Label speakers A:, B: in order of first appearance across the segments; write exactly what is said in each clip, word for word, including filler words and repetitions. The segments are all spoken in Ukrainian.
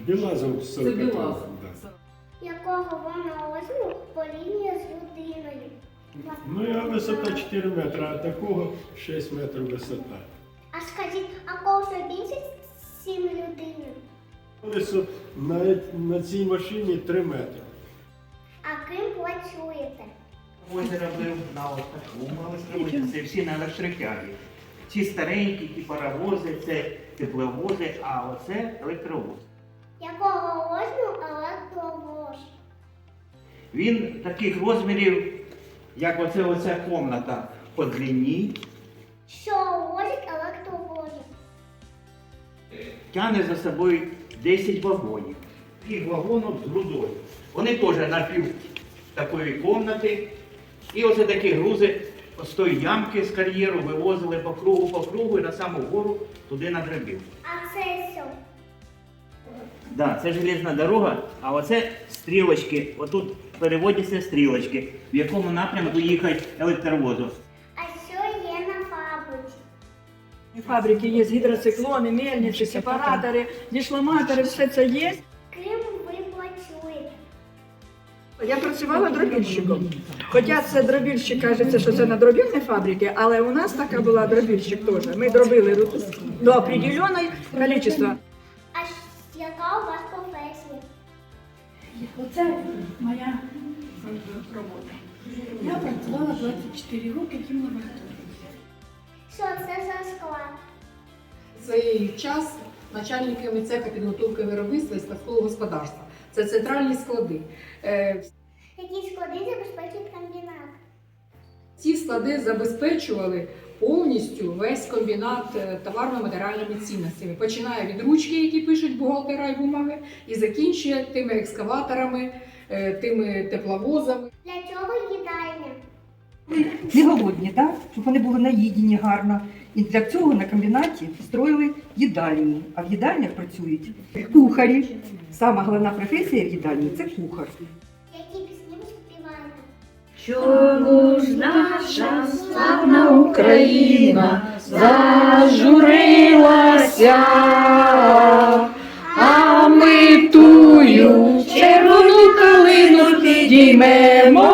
A: Білазов
B: Це
A: сорок.
B: Білазов.
C: Якого вона розміру порівнює з людиною?
A: Ну, я висота чотири метри, а такого шість метрів висота.
C: А скажіть, а колесо більше сім людини?
A: Колесо на, на цій машині три метри.
C: А ким працюєте?
D: Озеро робив на такому, але зробити це всі на електротягі. Ці старенькі, ті паровози, це тепловози, а оце електровоз.
C: Якого розміру електровоз?
D: Він таких розмірів, як оце оця комната по длині,
C: Що возить електровоз?
D: тягне за собою десять вагонів. Їх вагонів з грудою. Вони теж на пів такої комнати. І оце такі грузи з тої ямки з кар'єру вивозили по кругу, по кругу і на саму гору туди на драбів.
C: А це що?
D: Да, це железна дорога, а оце стрілочки. Отут переводяться стрілочки, в якому напрямку їхати електровозу.
C: А що є на фабриці?
E: Фабрики є гідроциклони, мельниці, сепаратори, дішламатори, все це є.
C: Ким ви працюєте?
E: Я працювала дробільщиком. Хоча це дробільщик, кажеться, що це на дробільній фабриці, але у нас така була дробільщик теж. Ми дробили до определеного кількості.
C: А щ- яка у вас професія?
F: Оце моя робота. Я працювала двадцять чотири роки в лабораторії.
C: Що це за склад?
B: Цей час начальниками цеха підготовки виробництва і складського господарства. Це центральні склади. Е,
C: Які склади забезпечують комбінат?
B: Ці склади забезпечували повністю весь комбінат е, товарно-матеріальними цінностями. Починає від ручки, які пишуть бухгалтера і бумаги, і закінчує тими екскаваторами, е, тими тепловозами.
C: Для чого їдальня?
G: Не голодні, так? Щоб вони були наїдені гарно. І для цього на комбінаті строїли їдальні. А в їдальнях працюють кухарі. Сама головна професія в їдальні – це кухар.
C: Які пісні ви співаєте?
F: Чому ж наша славна Україна зажурилася, а ми тую червону калину підіймемо,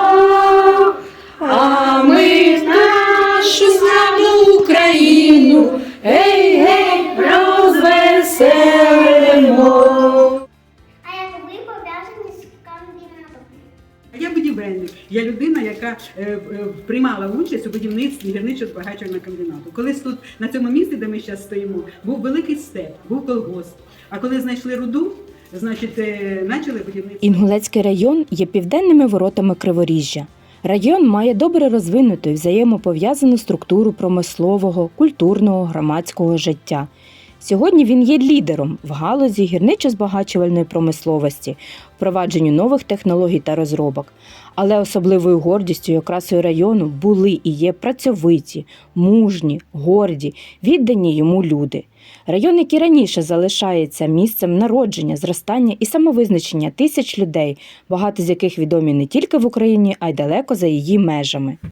F: а ми нашу славну Україну, гей, гей, розвеселимо.
C: А як ви пов'язані з комбінатом?
H: Я будівельник. Я людина, яка е, е, приймала участь у будівництві гірничо-збагачувального комбінату. Колись тут, на цьому місці, де ми зараз стоїмо, був великий степ, був колгосп. А коли знайшли руду, значить, е, почали будівництво.
I: Інгулецький район є південними воротами Криворіжжя. Район має добре розвинуту і взаємопов'язану структуру промислового, культурного, громадського життя. Сьогодні він є лідером в галузі гірничо-збагачувальної промисловості, впровадженню нових технологій та розробок. Але особливою гордістю і окрасою району були і є працьовиті, мужні, горді, віддані йому люди. Район, який раніше залишається місцем народження, зростання і самовизначення тисяч людей, багато з яких відомі не тільки в Україні, а й далеко за її межами.